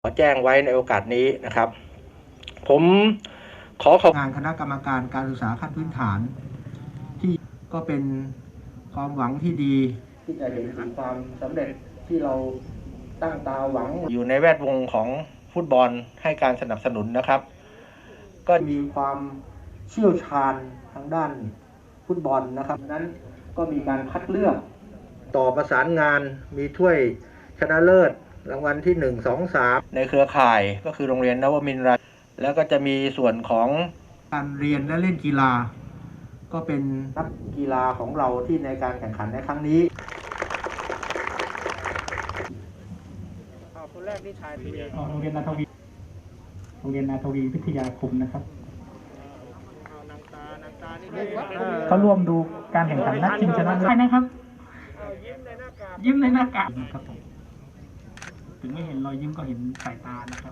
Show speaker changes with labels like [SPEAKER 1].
[SPEAKER 1] ขอแจ้งไว้ในโอกาสนี้นะครับผมขอขอบ
[SPEAKER 2] งานคณะกรรมการการศึกษาขั้นพื้นฐานที่ก็เป็นความหวังที่ดีที่จะเห็นถึงความสำเร็จที่เราตั้งตาหวัง
[SPEAKER 1] อยู่ในแวดวงของฟุตบอลให้การสนับสนุนนะครับ
[SPEAKER 2] ก็มีความเชี่ยวชาญทางด้านฟุตบอลนะครับนั้นก็มีการคัดเลือกต่อประสานงานมีถ้วยชนะเลิศรางวัลที่1 2 3
[SPEAKER 1] ในเครือข่ายก็คือโรงเรียนนวมินทร์แล้วก็จะมีส่วนของ
[SPEAKER 2] การเรียนและเล่นกีฬาก็เป็นนักกีฬาของเราที่ในการแข่งขันในครั้งนี้
[SPEAKER 1] คนแรกที่ชาย
[SPEAKER 3] โรงเรียนนาทวีวิทยาคมนะครับเขาร่วมดูการแข่งขันนัดชิงชนะเลิศนะครับยิ้มในหน้ากากครับผมถึงไม่เห็นรอยยิ้มก็เห็นสายตานะครับ